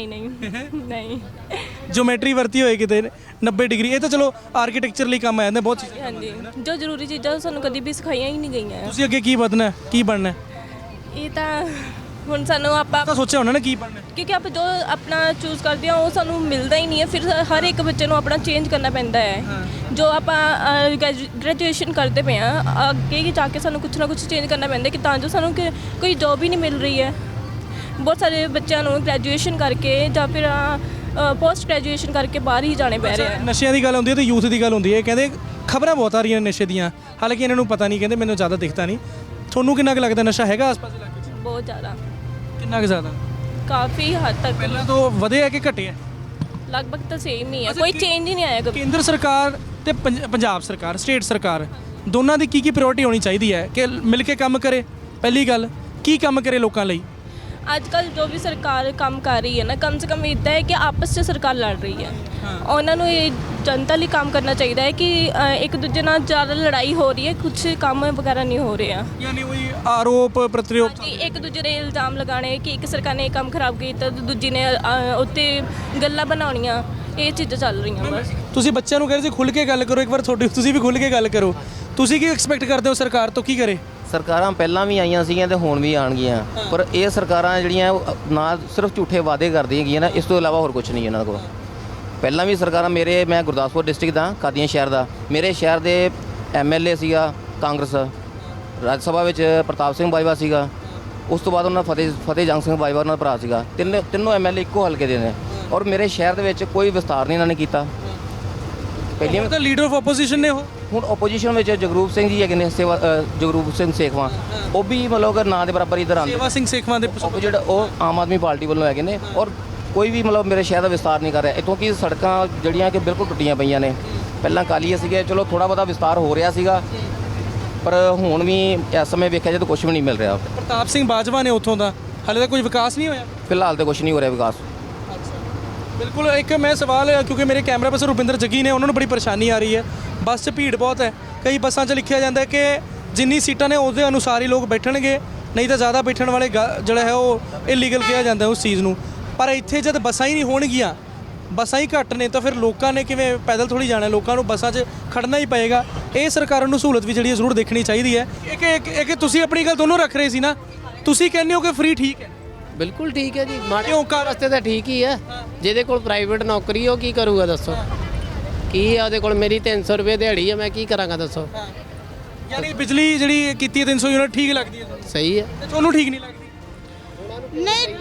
ਨਹੀਂ। ਜਿਓਮੈਟਰੀ ਵਰਤੀ ਹੋਏ ਕਿਤੇ 90 ਡਿਗਰੀ? ਇਹ ਤਾਂ ਚਲੋ ਆਰਕੀਟੈਕਚਰ ਲਈ ਕੰਮ ਆ ਜਾਂਦੇ ਬਹੁਤ ਚੀਜ਼ਾਂ। ਹਾਂਜੀ, ਜੋ ਜ਼ਰੂਰੀ ਚੀਜ਼ਾਂ ਸਾਨੂੰ ਕਦੀ ਵੀ ਸਿਖਾਈਆਂ ਹੀ ਨਹੀਂ ਗਈਆਂ। ਤੁਸੀਂ ਅੱਗੇ ਕੀ ਵਧਣਾ, ਕੀ ਬਣਨਾ? ਇਹ ਤਾਂ ਹੁਣ ਸਾਨੂੰ ਆਪਾਂ ਤਾਂ ਸੋਚਿਆ ਹੋਣਾ ਨਾ ਕੀ ਬਣਨਾ। ਕਿਉਂਕਿ ਆਪਾਂ ਜੋ ਆਪਣਾ ਚੂਜ਼ ਕਰਦੇ ਹਾਂ ਉਹ ਸਾਨੂੰ ਮਿਲਦਾ ਹੀ ਨਹੀਂ ਹੈ। ਫਿਰ ਹਰ ਇੱਕ ਬੱਚੇ ਨੂੰ ਆਪਣਾ ਚੇਂਜ ਕਰਨਾ ਪੈਂਦਾ ਹੈ। ਜੋ ਆਪਾਂ ਗ੍ਰੈਜੂਏਸ਼ਨ ਕਰਦੇ ਪਏ ਹਾਂ, ਅੱਗੇ ਜਾ ਕੇ ਸਾਨੂੰ ਕੁਛ ਨਾ ਕੁਛ ਚੇਂਜ ਕਰਨਾ ਪੈਂਦਾ ਕਿ ਤਾਂ ਜੋ ਸਾਨੂੰ ਕੋਈ ਜੋਬ ਹੀ ਨਹੀਂ ਮਿਲ ਰਹੀ ਹੈ। ਬਹੁਤ ਸਾਰੇ ਬੱਚਿਆਂ ਨੂੰ ਗ੍ਰੈਜੂਏਸ਼ਨ ਕਰਕੇ ਜਾਂ ਫਿਰ ਪੋਸਟ ਗ੍ਰੈਜੂਏਸ਼ਨ ਕਰਕੇ ਬਾਹਰ ਹੀ ਜਾਣੇ ਪੈ ਰਹੇ ਆ। ਨਸ਼ਿਆਂ ਦੀ ਗੱਲ ਹੁੰਦੀ ਹੈ ਤੇ ਯੂਥ ਦੀ ਗੱਲ ਹੁੰਦੀ ਹੈ। ਕਹਿੰਦੇ ਖਬਰਾਂ ਬਹੁਤ ਆ ਰਹੀਆਂ ਨੇ ਨਸ਼ੇ ਦੀਆਂ, ਹਾਲਾਂਕਿ ਇਹਨਾਂ ਨੂੰ ਪਤਾ ਨਹੀਂ, ਕਹਿੰਦੇ ਮੈਨੂੰ ਜ਼ਿਆਦਾ ਦਿਖਦਾ ਨਹੀਂ। ਤੁਹਾਨੂੰ ਕਿੰਨਾ ਕੁ ਲੱਗਦਾ ਨਸ਼ਾ ਹੈਗਾ ਆਸ-ਪਾਸ ਇਲਾਕੇ 'ਚ? ਬਹੁਤ ਜ਼ਿਆਦਾ, ਕਿੰਨਾ ਕੁ ਜ਼ਿਆਦਾ? ਕਾਫੀ ਹੱਦ ਤੱਕ। ਪਹਿਲਾਂ ਤੋਂ ਵਧਿਆ ਕਿ ਘਟਿਆ? ਲਗਭਗ ਤਾਂ ਸੇਮ ਹੀ ਹੈ, ਕੋਈ ਚੇਂਜ ਹੀ ਨਹੀਂ ਆਇਆ ਕਦੇ। ਕੇਂਦਰ ਸਰਕਾਰ ਤੇ ਪੰਜਾਬ ਸਰਕਾਰ, ਸਟੇਟ ਸਰਕਾਰ, ਦੋਨਾਂ ਦੀ ਕੀ ਪ੍ਰਾਇੋਰਟੀ ਹੋਣੀ ਚਾਹੀਦੀ ਹੈ ਕਿ ਮਿਲ ਕੇ ਕੰਮ ਕਰੇ? ਪਹਿਲੀ ਗੱਲ, ਕੀ ਕੰਮ ਕਰੇ ਲੋਕਾਂ ਲਈ? ਅੱਜ ਕੱਲ ਜੋ ਵੀ ਸਰਕਾਰ ਕੰਮ ਕਰ ਰਹੀ ਹੈ ਨਾ, ਕਮ ਸੇ ਕਮ ਇੱਦਾਂ ਹੈ ਕਿ ਆਪਸ 'ਚ ਸਰਕਾਰ ਲੜ ਰਹੀ ਹੈ। ਉਹਨਾਂ ਨੂੰ ਇਹ ਜਨਤਾ ਲਈ ਕੰਮ ਕਰਨਾ ਚਾਹੀਦਾ ਹੈ ਕਿ ਇੱਕ ਦੂਜੇ ਨਾਲ ਜ਼ਿਆਦਾ ਲੜਾਈ ਹੋ ਰਹੀ ਹੈ, ਕੁਝ ਕੰਮ ਵਗੈਰਾ ਨਹੀਂ ਹੋ ਰਿਹਾ। ਯਾਨੀ ਉਹੀ ਆਰੋਪ ਪ੍ਰਤੀਰੋਪ, ਇੱਕ ਦੂਜੇ ਦੇ ਇਲਜ਼ਾਮ ਲਗਾਉਣੇ ਕਿ ਇੱਕ ਸਰਕਾਰ ਨੇ ਇਹ ਕੰਮ ਖਰਾਬ ਕੀਤਾ, ਦੂਜੀ ਨੇ ਉੱਤੇ ਗੱਲਾਂ ਬਣਾਉਣੀਆਂ, ਇਹ ਚੀਜ਼ਾਂ ਚੱਲ ਰਹੀਆਂ ਬਸ। ਤੁਸੀਂ ਬੱਚਿਆਂ ਨੂੰ ਕਹਿ ਰਹੇ ਸੀ ਖੁੱਲ੍ਹ ਕੇ ਗੱਲ ਕਰੋ, ਇੱਕ ਵਾਰ ਤੁਸੀਂ ਵੀ ਖੁੱਲ੍ਹ ਕੇ ਗੱਲ ਕਰੋ। ਤੁਸੀਂ ਕੀ ਐਕਸਪੈਕਟ ਕਰਦੇ ਹੋ ਸਰਕਾਰ ਤੋਂ, ਕੀ ਕਰੇ? ਸਰਕਾਰਾਂ ਪਹਿਲਾਂ ਵੀ ਆਈਆਂ ਸੀਗੀਆਂ ਤੇ ਹੁਣ ਵੀ ਆਉਣਗੀਆਂ, ਪਰ ਇਹ ਸਰਕਾਰਾਂ ਜਿਹੜੀਆਂ ਨਾ ਸਿਰਫ ਝੂਠੇ ਵਾਅਦੇ ਕਰਦੀਆਂ ਹੈਗੀਆਂ ਨਾ, ਇਸ ਤੋਂ ਇਲਾਵਾ ਹੋਰ ਕੁਝ ਨਹੀਂ ਇਹਨਾਂ ਕੋਲ। ਪਹਿਲਾਂ ਵੀ ਸਰਕਾਰਾਂ, ਮੈਂ ਗੁਰਦਾਸਪੁਰ ਡਿਸਟ੍ਰਿਕਟ ਦਾ, ਕਾਦੀਆਂ ਸ਼ਹਿਰ ਦਾ, ਮੇਰੇ ਸ਼ਹਿਰ ਦੇ MLA ਸੀਗਾ ਕਾਂਗਰਸ, ਰਾਜ ਸਭਾ ਵਿੱਚ ਪ੍ਰਤਾਪ ਸਿੰਘ ਬਾਜਵਾ ਸੀਗਾ, ਉਸ ਤੋਂ ਬਾਅਦ ਉਹਨਾਂ ਫਤਿਹ ਜੰਗ ਸਿੰਘ ਬਾਜਵਾ ਉਹਨਾਂ ਦਾ ਭਰਾ ਸੀਗਾ। ਤਿੰਨੋਂ MLA ਇੱਕੋ ਹਲਕੇ ਦੇ ਨੇ, ਔਰ ਮੇਰੇ ਸ਼ਹਿਰ ਦੇ ਵਿੱਚ ਕੋਈ ਵਿਸਤਾਰ ਨਹੀਂ ਇਹਨਾਂ ਨੇ ਕੀਤਾ। ਪਹਿਲੀਆਂ ਤਾਂ ਲੀਡਰ ਆਫ ਆਪੋਜੀਸ਼ਨ ਨੇ ਉਹ। ਹੁਣ ਆਪੋਜੀਸ਼ਨ ਵਿੱਚ ਜਗਰੂਪ ਸਿੰਘ ਜੀ ਹੈਗੇ ਨੇ, ਜਗਰੂਪ ਸਿੰਘ ਸੇਖਵਾਂ, ਉਹ ਵੀ ਮਤਲਬ ਕਿ ਨਾਂ ਦੇ ਬਰਾਬਰ ਇਧਰ ਆਉਂਦੇ। ਸੇਵਾ ਸਿੰਘ ਸੇਖਵਾਂ ਦੇ ਜਿਹੜਾ ਉਹ ਆਮ ਆਦਮੀ ਪਾਰਟੀ ਵੱਲੋਂ ਹੈਗੇ ਨੇ, ਔਰ ਕੋਈ ਵੀ ਮਤਲਬ ਮੇਰੇ ਸ਼ਹਿਰ ਦਾ ਵਿਸਤਾਰ ਨਹੀਂ ਕਰ ਰਿਹਾ। ਇੱਥੋਂ ਕਿ ਸੜਕਾਂ ਜਿਹੜੀਆਂ ਕਿ ਬਿਲਕੁਲ ਟੁੱਟੀਆਂ ਪਈਆਂ ਨੇ। ਪਹਿਲਾਂ ਕਾਲੀਏ ਸੀਗੇ, ਚਲੋ ਥੋੜਾ ਬਹੁਤਾ ਵਿਸਤਾਰ ਹੋ ਰਿਹਾ ਸੀਗਾ, ਪਰ ਹੁਣ ਵੀ ਇਸ ਸਮੇਂ ਵੇਖਿਆ ਜਾਏ ਤਾਂ ਕੁਝ ਵੀ ਨਹੀਂ ਮਿਲ ਰਿਹਾ। ਪ੍ਰਤਾਪ ਸਿੰਘ ਬਾਜਵਾ ਨੇ ਉੱਥੋਂ ਦਾ, ਹਾਲੇ ਤੱਕ ਕੋਈ ਵਿਕਾਸ ਨਹੀਂ ਹੋਇਆ? ਫਿਲਹਾਲ ਤਾਂ ਕੁਝ ਨਹੀਂ ਹੋ ਰਿਹਾ ਵਿਕਾਸ। ਬਿਲਕੁਲ। ਇੱਕ ਮੈਂ ਸਵਾਲ, ਕਿਉਂਕਿ ਮੇਰੇ ਕੈਮਰਾ ਪਰਸਨ ਰੁਪਿੰਦਰ ਜੱਗੀ ਨੇ, ਉਹਨਾਂ ਨੂੰ ਬੜੀ ਪਰੇਸ਼ਾਨੀ ਆ ਰਹੀ ਹੈ। ਬੱਸ 'ਚ ਭੀੜ ਬਹੁਤ ਹੈ। ਕਈ ਬੱਸਾਂ 'ਚ ਲਿਖਿਆ ਜਾਂਦਾ ਹੈ ਕਿ ਜਿੰਨੀ ਸੀਟਾਂ ਨੇ ਉਹਦੇ ਅਨੁਸਾਰ ਹੀ ਲੋਕ ਬੈਠਣਗੇ, ਨਹੀਂ ਤਾਂ ਜ਼ਿਆਦਾ ਬੈਠਣ ਵਾਲੇ ਜਿਹੜਾ ਹੈ ਉਹ ਇਲੀਗਲ ਕਿਹਾ ਜਾਂਦਾ ਉਸ ਚੀਜ਼ ਨੂੰ। ਪਰ ਇੱਥੇ ਜਦ ਬੱਸਾਂ ਹੀ ਨਹੀਂ ਹੋਣਗੀਆਂ, ਬੱਸਾਂ ਹੀ ਘੱਟ ਨੇ, ਤਾਂ ਫਿਰ ਲੋਕਾਂ ਨੇ ਕਿਵੇਂ ਪੈਦਲ ਥੋੜੀ ਜਾਣਾ, ਲੋਕਾਂ ਨੂੰ ਬੱਸਾਂ 'ਚ ਖੜਨਾ ਹੀ ਪਏਗਾ। ਇਹ ਸਰਕਾਰਾਂ ਨੂੰ ਸਹੂਲਤ ਵੀ ਜਿਹੜੀ ਹੈ ਜ਼ਰੂਰ ਦੇਖਣੀ ਚਾਹੀਦੀ ਹੈ। ਇੱਕ ਤੁਸੀਂ ਆਪਣੀ ਗੱਲ ਦੋਨੋਂ ਰੱਖ ਰਹੇ ਸੀ ਨਾ, ਤੁਸੀਂ ਕਹਿੰਦੇ ਹੋ ਕਿ ਫ੍ਰੀ ਠੀਕ ਹੈ। ਬਿਲਕੁਲ ਠੀਕ ਹੈ ਜੀ, ਮਾੜੇ ਕਿਉਂ ਕਾਰ ਵਾਸਤੇ ਤਾਂ ਠੀਕ ਹੀ ਹੈ। ਜਿਹਦੇ ਕੋਲ ਪ੍ਰਾਈਵੇਟ ਨੌਕਰੀ ਉਹ ਕੀ ਕਰੂਗਾ ਦੱਸੋ? ਕੀ ਹੈ ਉਹਦੇ ਕੋਲ? ਮੇਰੀ 300 ਰੁਪਏ ਦਿਹਾੜੀ ਹੈ, ਮੈਂ ਕੀ ਕਰਾਂਗਾ ਦੱਸੋ? ਯਾਨੀ ਬਿਜਲੀ ਜਿਹੜੀ ਕੀਤੀ ਹੈ 300 ਯੂਨਿਟ ਠੀਕ ਲੱਗਦੀ ਹੈ ਤੁਹਾਨੂੰ? ਸਹੀ ਹੈ। ਤੇ ਤੁਹਾਨੂੰ ਠੀਕ ਨਹੀਂ ਲੱਗਦੀ? ਨਹੀਂ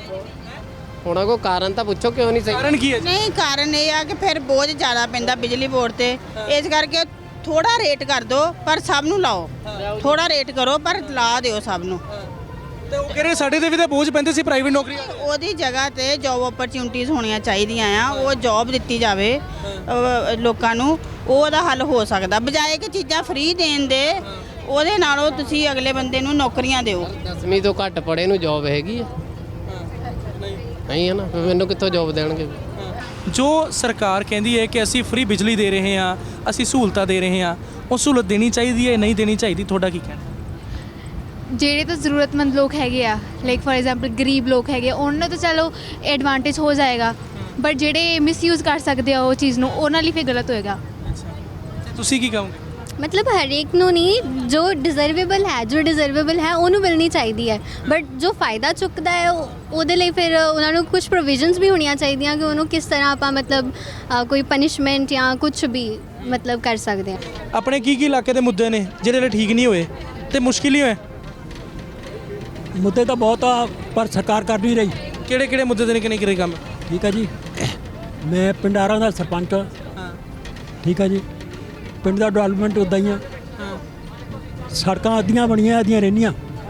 ਉਹਨਾਂ ਕੋ ਕਾਰਨ ਤਾਂ ਪੁੱਛੋ ਕਿਉਂ ਨਹੀਂ ਸਹੀ? ਕਾਰਨ ਕੀ ਹੈ? ਨਹੀਂ ਕਾਰਨ ਇਹ ਆ ਕਿ ਫਿਰ ਬੋਝ ਜ਼ਿਆਦਾ ਪੈਂਦਾ ਬਿਜਲੀ ਬੋਰਡ ਤੇ, ਇਸ ਕਰਕੇ ਥੋੜਾ ਰੇਟ ਕਰ ਦਿਓ ਪਰ ਸਭ ਨੂੰ ਲਾਓ। ਥੋੜਾ ਰੇਟ ਕਰੋ ਪਰ ਲਾ ਦਿਓ ਸਭ ਨੂੰ। ਤੇ ਉਹ ਕਹਿੰਦੇ ਸਾਡੇ ਤੇ ਵੀ ਤਾਂ ਬੋਝ ਪੈਂਦੇ ਸੀ ਪ੍ਰਾਈਵੇਟ ਨੌਕਰੀ। ਉਹਦੀ ਜਗ੍ਹਾ ਤੇ ਜੌਬ ਓਪਰਚੁਨਿਟੀਜ਼ ਹੋਣੀਆਂ ਚਾਹੀਦੀਆਂ ਆ, ਉਹ ਜੌਬ ਦਿੱਤੀ ਜਾਵੇ ਲੋਕਾਂ ਨੂੰ, ਉਹਦਾ ਹੱਲ ਹੋ ਸਕਦਾ। ਬਜਾਏ ਕਿ ਚੀਜ਼ਾਂ ਫ੍ਰੀ ਦੇਣ ਦੇ, ਉਹਦੇ ਨਾਲੋਂ ਤੁਸੀਂ ਅਗਲੇ ਬੰਦੇ ਨੂੰ ਨੌਕਰੀਆਂ ਦਿਓ। 10ਵੀਂ ਤੋਂ ਘੱਟ ਪੜ੍ਹੇ ਨੂੰ ਜੌਬ ਹੈਗੀ ਹੈ? ਨਹੀਂ ਹੈ ਨਾ, ਫਿਰ ਮੈਨੂੰ ਕਿੱਥੋਂ ਜੌਬ ਦੇਣਗੇ? ਜੋ ਸਰਕਾਰ ਕਹਿੰਦੀ ਹੈ ਕਿ ਅਸੀਂ ਫ੍ਰੀ ਬਿਜਲੀ ਦੇ ਰਹੇ ਹਾਂ, ਅਸੀਂ ਸਹੂਲਤਾਂ ਦੇ ਰਹੇ ਹਾਂ, ਉਹ ਸਹੂਲਤ ਦੇਣੀ ਚਾਹੀਦੀ ਹੈ ਨਹੀਂ ਦੇਣੀ ਚਾਹੀਦੀ, ਤੁਹਾਡਾ ਕੀ ਕਹਿਣਾ? ਜਿਹੜੇ ਤਾਂ ਜ਼ਰੂਰਤਮੰਦ ਲੋਕ ਹੈਗੇ ਆ, ਲਾਈਕ ਫॉर ਐਗਜ਼ਾਮਪਲ ਗਰੀਬ ਲੋਕ ਹੈਗੇ ਆ, ਉਹਨਾਂ ਨੂੰ ਤਾਂ ਚਲੋ ਐਡਵਾਂਟੇਜ ਹੋ ਜਾਏਗਾ, ਬਟ ਜਿਹੜੇ ਮਿਸਯੂਜ਼ ਕਰ ਸਕਦੇ ਆ ਉਹ ਚੀਜ਼ ਨੂੰ, ਉਹਨਾਂ ਲਈ ਫਿਰ ਗਲਤ ਹੋਏਗਾ। ਤੁਸੀਂ ਕੀ ਕਹੋਗੇ? ਮਤਲਬ ਹਰੇਕ ਨੂੰ ਨਹੀਂ, ਜੋ ਡਿਜ਼ਰਵੇਬਲ ਹੈ ਉਹਨੂੰ ਮਿਲਣੀ ਚਾਹੀਦੀ ਹੈ, ਬਟ ਜੋ ਫਾਇਦਾ ਚੁੱਕਦਾ ਹੈ ਉਹਦੇ ਲਈ ਫਿਰ ਉਹਨਾਂ ਨੂੰ ਕੁਝ ਪ੍ਰੋਵੀਜ਼ਨਸ ਵੀ ਹੋਣੀਆਂ ਚਾਹੀਦੀਆਂ ਕਿ ਉਹਨੂੰ ਕਿਸ ਤਰ੍ਹਾਂ ਆਪਾਂ ਮਤਲਬ ਕੋਈ ਪਨਿਸ਼ਮੈਂਟ ਜਾਂ ਕੁਝ ਵੀ ਮਤਲਬ ਕਰ ਸਕਦੇ ਹਾਂ। ਆਪਣੇ ਕੀ ਇਲਾਕੇ ਦੇ ਮੁੱਦੇ ਨੇ ਜਿਹੜੇ ਠੀਕ ਨਹੀਂ ਹੋਏ ਤੇ ਮੁਸ਼ਕਿਲ ਹੀ ਹੋਏ? ਮੁੱਦੇ ਤਾਂ ਬਹੁਤ ਆ ਪਰ ਸਰਕਾਰ ਕਰ ਨਹੀਂ ਰਹੀ। ਕਿਹੜੇ ਮੁੱਦੇ ਦੇ ਨੇ ਕਿਹੜੇ ਕੰਮ? ਠੀਕ ਹੈ ਜੀ, ਮੈਂ ਪਿੰਡਾਰਾਂ ਦਾ ਸਰਪੰਚ ਹਾਂ। ਠੀਕ ਹੈ ਜੀ, ਪਿੰਡ ਦਾ ਡਿਵੈਲਪਮੈਂਟ ਉੱਦਾਂ ਹੀ ਆ। ਸੜਕਾਂ ਅੱਧੀਆਂ ਬਣੀਆਂ ਅੱਧੀਆਂ ਰਹਿੰਦੀਆਂ।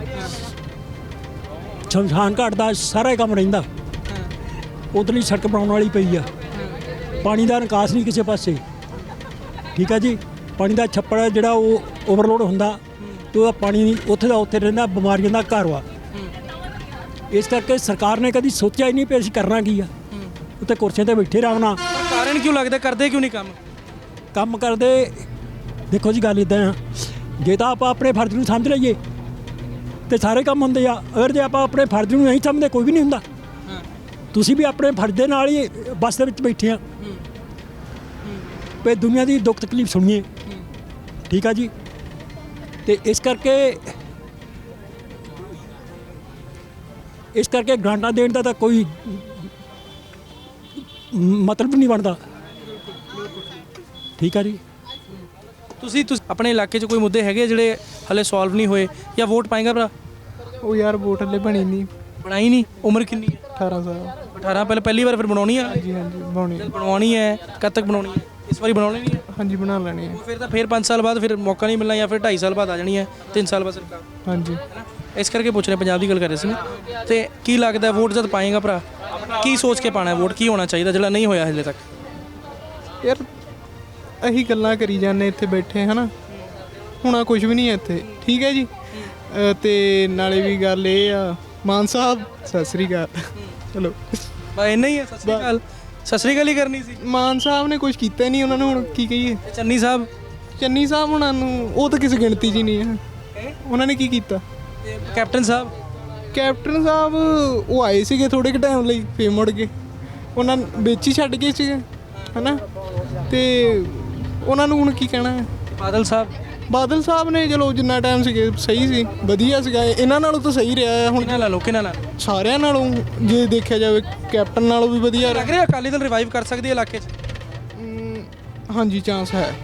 ਸ਼ਮਸ਼ਾਨ ਘਾਟ ਦਾ ਸਾਰਾ ਕੰਮ ਰਹਿੰਦਾ, ਉਧਰਲੀ ਸੜਕ ਬਣਾਉਣ ਵਾਲੀ ਪਈ ਆ। ਪਾਣੀ ਦਾ ਨਿਕਾਸ ਨਹੀਂ ਕਿਸੇ ਪਾਸੇ। ਠੀਕ ਹੈ ਜੀ, ਪਾਣੀ ਦਾ ਛੱਪੜ ਜਿਹੜਾ ਉਹ ਓਵਰਲੋਡ ਹੁੰਦਾ ਅਤੇ ਉਹਦਾ ਪਾਣੀ ਉੱਥੇ ਦਾ ਉੱਥੇ ਰਹਿੰਦਾ, ਬਿਮਾਰੀਆਂ ਦਾ ਘਰ ਵਾ। ਇਸ ਕਰਕੇ ਸਰਕਾਰ ਨੇ ਕਦੀ ਸੋਚਿਆ ਹੀ ਨਹੀਂ ਵੀ ਅਸੀਂ ਕਰਨਾ ਕੀ ਆ। ਉੱਤੇ ਕੁਰਸੀਆਂ 'ਤੇ ਬੈਠੇ ਆਰਾਮ ਨਾਲ। ਕਾਰਨ ਕਿਉਂ ਲੱਗਦਾ ਕਰਦੇ ਕਿਉਂ ਨਹੀਂ ਕੰਮ ਕਰਦੇ? ਦੇਖੋ ਜੀ ਗੱਲ ਇੱਦਾਂ ਆ, ਜੇ ਤਾਂ ਆਪਾਂ ਆਪਣੇ ਫਰਜ਼ ਨੂੰ ਸਮਝ ਲਈਏ ਤੇ ਸਾਰੇ ਕੰਮ ਹੁੰਦੇ ਆ। ਅਗਰ ਜੇ ਆਪਾਂ ਆਪਣੇ ਫਰਜ਼ ਨੂੰ ਨਹੀਂ ਸਮਝਦੇ ਕੋਈ ਵੀ ਨਹੀਂ ਹੁੰਦਾ। ਤੁਸੀਂ ਵੀ ਆਪਣੇ ਫਰਜ਼ ਦੇ ਨਾਲ ਹੀ ਬੱਸ ਦੇ ਵਿੱਚ ਬੈਠੇ ਆ ਵੀ ਦੁਨੀਆ ਦੀ ਦੁੱਖ ਤਕਲੀਫ ਸੁਣੀਏ। ਠੀਕ ਆ ਜੀ, ਤੇ ਇਸ ਕਰਕੇ ਗ੍ਰਾਂਟਾਂ ਦੇਣ ਦਾ ਤਾਂ ਕੋਈ ਮਤਲਬ ਨਹੀਂ ਬਣਦਾ। ਠੀਕ ਆ ਜੀ, ਤੁਸੀਂ ਆਪਣੇ ਇਲਾਕੇ 'ਚ ਕੋਈ ਮੁੱਦੇ ਹੈਗੇ ਜਿਹੜੇ ਹਲੇ ਸੋਲਵ ਨਹੀਂ ਹੋਏ ਜਾਂ ਵੋਟ ਪਾਏਗਾ ਭਰਾ? ਉਹ ਯਾਰ ਵੋਟ ਹਲੇ ਬਣਾਈ ਨਹੀਂ। ਉਮਰ ਕਿੰਨੀ ਹੈ? 18 ਸਾਲ। 18 ਪਹਿਲੀ ਵਾਰ ਫਿਰ ਬਣਾਉਣੀ ਹੈ? ਹਾਂਜੀ ਬਣਾਉਣੀ ਹੈ। ਕਦ ਤੱਕ ਬਣਾਉਣੀ ਹੈ? ਇਸ ਵਾਰੀ ਬਣਾਉਣੀ ਨਹੀਂ ਹੈ? ਹਾਂਜੀ ਬਣਾ ਲੈਣੀ ਹੈ। ਫਿਰ ਤਾਂ 5 ਸਾਲ ਬਾਅਦ ਫਿਰ ਮੌਕਾ ਨਹੀਂ ਮਿਲਣਾ, ਜਾਂ ਫਿਰ 2.5 ਸਾਲ ਬਾਅਦ ਆ ਜਾਣੀ ਹੈ, 3 ਸਾਲ ਬਾਅਦ ਸਰਕਾਰ। ਹਾਂਜੀ, ਇਸ ਕਰਕੇ ਪੁੱਛ ਰਹੇ, ਪੰਜਾਬ ਦੀ ਗੱਲ ਕਰ ਰਹੇ ਸੀ। ਤੇ ਕੀ ਲੱਗਦਾ ਵੋਟ ਜਦ ਪਾਏਗਾ ਭਰਾ, ਕੀ ਸੋਚ ਕੇ ਪਾਣਾ ਵੋਟ? ਕੀ ਹੋਣਾ ਚਾਹੀਦਾ ਜਿਹੜਾ ਨਹੀਂ ਹੋਇਆ ਹਲੇ ਤੱਕ? ਯਾਰ ਅਸੀਂ ਗੱਲਾਂ ਕਰੀ ਜਾਂਦੇ ਇੱਥੇ ਬੈਠੇ ਹਨਾ, ਹੁਣ ਕੁਝ ਵੀ ਨਹੀਂ ਹੈ ਇੱਥੇ। ਠੀਕ ਹੈ ਜੀ, ਤੇ ਨਾਲੇ ਵੀ ਗੱਲ ਇਹ ਆ, ਮਾਨ ਸਾਹਿਬ ਸਤਿ ਸ੍ਰੀ ਅਕਾਲ। ਚਲੋ ਬਸ ਇੰਨਾ ਹੀ ਹੈ। ਸਤਿ ਸ੍ਰੀ ਅਕਾਲ ਹੀ ਕਰਨੀ ਸੀ। ਮਾਨ ਸਾਹਿਬ ਨੇ ਕੁਝ ਕੀਤਾ ਨਹੀਂ, ਉਹਨਾਂ ਨੂੰ ਹੁਣ ਕੀ ਕਹੀਏ? ਚੰਨੀ ਸਾਹਿਬ ਉਹਨਾਂ ਨੂੰ ਉਹ ਤਾਂ ਕਿਸੇ ਗਿਣਤੀ 'ਚ ਹੀ ਨਹੀਂ ਹੈ। ਉਹਨਾਂ ਨੇ ਕੀ ਕੀਤਾ? ਕੈਪਟਨ ਸਾਹਿਬ ਉਹ ਆਏ ਸੀਗੇ ਥੋੜੇ ਕੁ ਟਾਈਮ ਲਈ, ਫੇਰ ਮੁੜ ਗਏ। ਉਹਨਾਂ ਵਿੱਚ ਹੀ ਛੱਡ ਗਏ ਸੀਗੇ ਹਨਾ, ਤੇ ਉਹਨਾਂ ਨੂੰ ਹੁਣ ਕੀ ਕਹਿਣਾ ਹੈ? ਬਾਦਲ ਸਾਹਿਬ ਨੇ ਚਲੋ ਜਿੰਨਾ ਟਾਈਮ ਸੀਗੇ ਸਹੀ ਸੀ, ਵਧੀਆ ਸੀਗਾ। ਇਹਨਾਂ ਨਾਲੋਂ ਤਾਂ ਸਹੀ ਰਿਹਾ ਹੈ। ਹੁਣ ਕਿਹਨਾਂ ਨਾਲ? ਸਾਰਿਆਂ ਨਾਲੋਂ ਜੇ ਦੇਖਿਆ ਜਾਵੇ, ਕੈਪਟਨ ਨਾਲੋਂ ਵੀ ਵਧੀਆ ਲੱਗ ਰਿਹਾ। ਅਕਾਲੀ ਦਲ ਰਿਵਾਈਵ ਕਰ ਸਕਦੀ ਹੈ ਇਲਾਕੇ 'ਚ? ਹਾਂਜੀ, ਚਾਂਸ ਹੈ।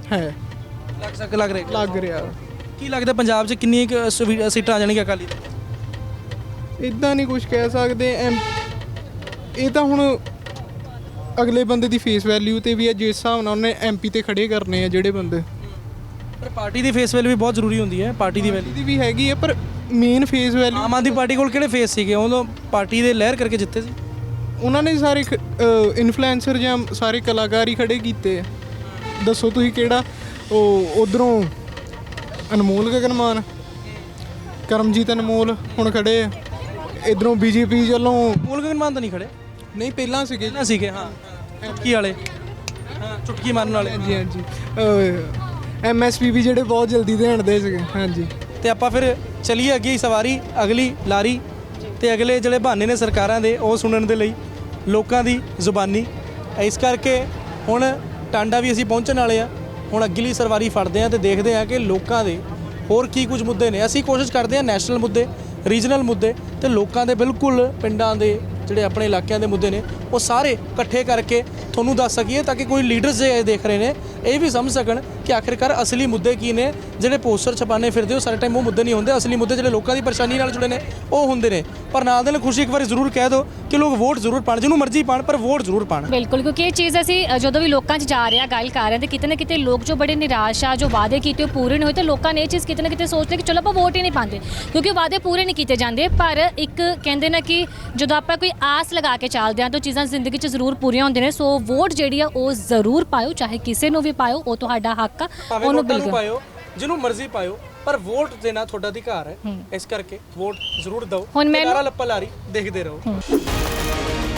ਲੱਗ ਰਿਹਾ। ਕੀ ਲੱਗਦਾ ਪੰਜਾਬ 'ਚ ਕਿੰਨੀਆਂ ਸੀਟਾਂ ਆ ਜਾਣਗੀਆਂ ਅਕਾਲੀ ਦਲ? ਇੱਦਾਂ ਨਹੀਂ ਕੁਝ ਕਹਿ ਸਕਦੇ। ਇਹ ਤਾਂ ਹੁਣ ਅਗਲੇ ਬੰਦੇ ਦੀ ਫੇਸ ਵੈਲਿਊ ਤੇ ਵੀ ਹੈ, ਜਿਸ ਹਿਸਾਬ ਨਾਲ ਉਹਨੇ MP ਤੇ ਖੜੇ ਕਰਨੇ ਆ ਜਿਹੜੇ ਬੰਦੇ। ਪਰ ਪਾਰਟੀ ਦੀ ਫੇਸ ਵੈਲਿਊ ਵੀ ਬਹੁਤ ਜ਼ਰੂਰੀ ਹੁੰਦੀ ਹੈ। ਪਾਰਟੀ ਦੀ ਵੈਲਿਊ ਵੀ ਹੈਗੀ ਹੈ, ਪਰ main face value Aam Aadmi Party ਕੋਲ ਕਿਹੜੇ ਫੇਸ ਸੀਗੇ? ਉਦੋਂ ਪਾਰਟੀ ਦੇ ਲਹਿਰ ਕਰਕੇ ਜਿੱਤੇ ਸੀ। ਉਹਨਾਂ ਨੇ ਸਾਰੇ ਇਨਫਲੂਐਂਸਰ ਜਾਂ ਸਾਰੇ ਕਲਾਕਾਰ ਹੀ ਖੜੇ ਕੀਤੇ ਆ। ਦੱਸੋ ਤੁਸੀਂ ਕਿਹੜਾ? ਉਹ ਉਧਰੋਂ ਅਨਮੋਲ ਗਗਨਮਾਨ, ਕਰਮਜੀਤ ਅਨਮੋਲ ਹੁਣ ਖੜੇ ਆ। ਇਧਰੋਂ BJP ਵੱਲੋਂ ਅਨਮੋਲ ਗਗਨਮਾਨ ਤਾਂ ਨਹੀਂ ਖੜੇ? ਨਹੀਂ, ਪਹਿਲਾਂ ਸੀਗੇ। ਹਾਂ, ਚੁਟਕੀ ਵਾਲੇ, ਚੁਟਕੀ ਮਾਰਨ ਵਾਲੇ। ਹਾਂਜੀ। MSP ਵੀ ਜਿਹੜੇ ਬਹੁਤ ਜਲਦੀ ਦੇਣ ਦੇ ਸੀਗੇ। ਹਾਂਜੀ ਤੇ ਆਪਾਂ ਫਿਰ ਚਲੀਏ ਅੱਗੇ ਸਵਾਰੀ ਅਗਲੀ ਲਾਰੀ ਤੇ ਅਗਲੇ ਜਿਹੜੇ ਬਹਾਨੇ ਨੇ ਸਰਕਾਰਾਂ ਦੇ ਉਹ ਸੁਣਨ ਦੇ ਲਈ ਲੋਕਾਂ ਦੀ ਜ਼ੁਬਾਨੀ। ਇਸ ਕਰਕੇ ਹੁਣ ਟਾਂਡਾ ਵੀ ਅਸੀਂ ਪਹੁੰਚਣ ਵਾਲੇ ਆ। ਹੁਣ ਅਗਲੀ ਸਵਾਰੀ ਫੜਦੇ ਆ ਤੇ ਦੇਖਦੇ ਆ ਕਿ ਲੋਕਾਂ ਦੇ ਹੋਰ ਕੀ ਕੁਝ ਮੁੱਦੇ ਨੇ। ਅਸੀਂ ਕੋਸ਼ਿਸ਼ ਕਰਦੇ ਆ ਨੈਸ਼ਨਲ ਮੁੱਦੇ, ਰੀਜਨਲ ਮੁੱਦੇ ਤੇ ਲੋਕਾਂ ਦੇ ਬਿਲਕੁਲ ਪਿੰਡਾਂ ਦੇ ਜਿਹੜੇ ਆਪਣੇ ਇਲਾਕਿਆਂ ਦੇ ਮੁੱਦੇ ਨੇ ਉਹ ਸਾਰੇ ਇਕੱਠੇ ਕਰਕੇ ਤੁਹਾਨੂੰ ਦੱਸ ਸਕੀਏ ਤਾਂ ਕਿ ਕੋਈ ਲੀਡਰਸ ਜੇ ਦੇਖ ਰਹੇ ਨੇ ਇਹ ਵੀ ਸਮਝ ਸਕਣ ਕਿ ਆਖਿਰਕਾਰ ਅਸਲੀ ਮੁੱਦੇ ਕੀ ਨੇ। ਜਿਹੜੇ ਪੋਸਟਰ ਛਪਾਣੇ ਫਿਰਦੇ ਉਹ ਸਾਰੇ ਟਾਈਮ ਉਹ ਮੁੱਦੇ ਨਹੀਂ ਹੁੰਦੇ। ਅਸਲੀ ਮੁੱਦੇ ਜਿਹੜੇ ਲੋਕਾਂ ਦੀ ਪਰੇਸ਼ਾਨੀ ਨਾਲ ਜੁੜੇ ਨੇ ਉਹ ਹੁੰਦੇ ਨੇ। ਪਰ ਨਾਲ ਦੇ ਨਾਲ ਖੁਸ਼ੀ ਇੱਕ ਵਾਰੀ ਜ਼ਰੂਰ ਕਹਿ ਦਿਓ ਕਿ ਲੋਕ ਵੋਟ ਜ਼ਰੂਰ ਪਾਣ, ਜਿਹਨੂੰ ਮਰਜ਼ੀ ਪਾਣ ਪਰ ਵੋਟ ਜ਼ਰੂਰ ਪਾਣ। ਬਿਲਕੁਲ, ਕਿਉਂਕਿ ਇਹ ਚੀਜ਼ ਅਸੀਂ ਜਦੋਂ ਵੀ ਲੋਕਾਂ 'ਚ ਜਾ ਰਹੇ ਹਾਂ ਗੱਲ ਕਰ ਰਹੇ ਹਾਂ ਤੇ ਕਿਤੇ ਨਾ ਕਿਤੇ ਲੋਕ ਜੋ ਬੜੇ ਨਿਰਾਸ਼ ਆ, ਜੋ ਵਾਅਦੇ ਕੀਤੇ ਉਹ ਪੂਰੇ ਨਹੀਂ ਹੋਏ ਤੇ ਲੋਕਾਂ ਨੇ ਇਹ ਚੀਜ਼ ਕਿਤੇ ਨਾ ਕਿਤੇ ਸੋਚਦੇ ਕਿ ਚਲੋ ਆਪਾਂ ਵੋਟ ਹੀ ਨਹੀਂ ਪਾਉਂਦੇ ਕਿਉਂਕਿ ਵਾਅਦੇ ਪੂਰੇ ਨਹੀਂ ਕੀਤੇ ਜਾਂਦੇ। ਪਰ ਇੱਕ ਕਹਿੰਦੇ ਨਾ ਕਿ ਜਦੋਂ ਆਪਾਂ ਕੋਈ ਆਸ ਲਗਾ ਕੇ ਚੱਲਦੇ ਹਾਂ ਤਾਂ ਚੀਜ਼ਾਂ ਜ਼ਿੰਦਗੀ 'ਚ ਜ਼ਰੂਰ ਪੂਰੀਆਂ ਹੁੰਦੀਆਂ ਨੇ। ਸੋ ਵੋਟ ਜਿਹੜੀ ਆ ਉਹ ਜ਼ਰੂਰ ਪਾਇਓ, ਚਾਹੇ ਕਿਸੇ ਨੂੰ ਵੀ ਪਾਇਓ, ਉਹ ਤੁਹਾਡਾ ਹੱਕ ਆ, ਉਹਨੂੰ ਬਿਲਕੁਲ ਪਾਇਓ, ਜਿਹਨੂੰ ਮਰਜ਼ੀ ਪਾਇਓ ਪਰ ਵੋਟ ਦੇਣਾ ਤੁਹਾਡਾ ਅਧਿਕਾਰ ਹੈ। ਇਸ ਕਰਕੇ ਵੋਟ ਜ਼ਰੂਰ ਦਿਓ। ਹੁਣ ਲੱਪਾ ਲਾਰੀ ਦੇਖਦੇ ਰਹੋ।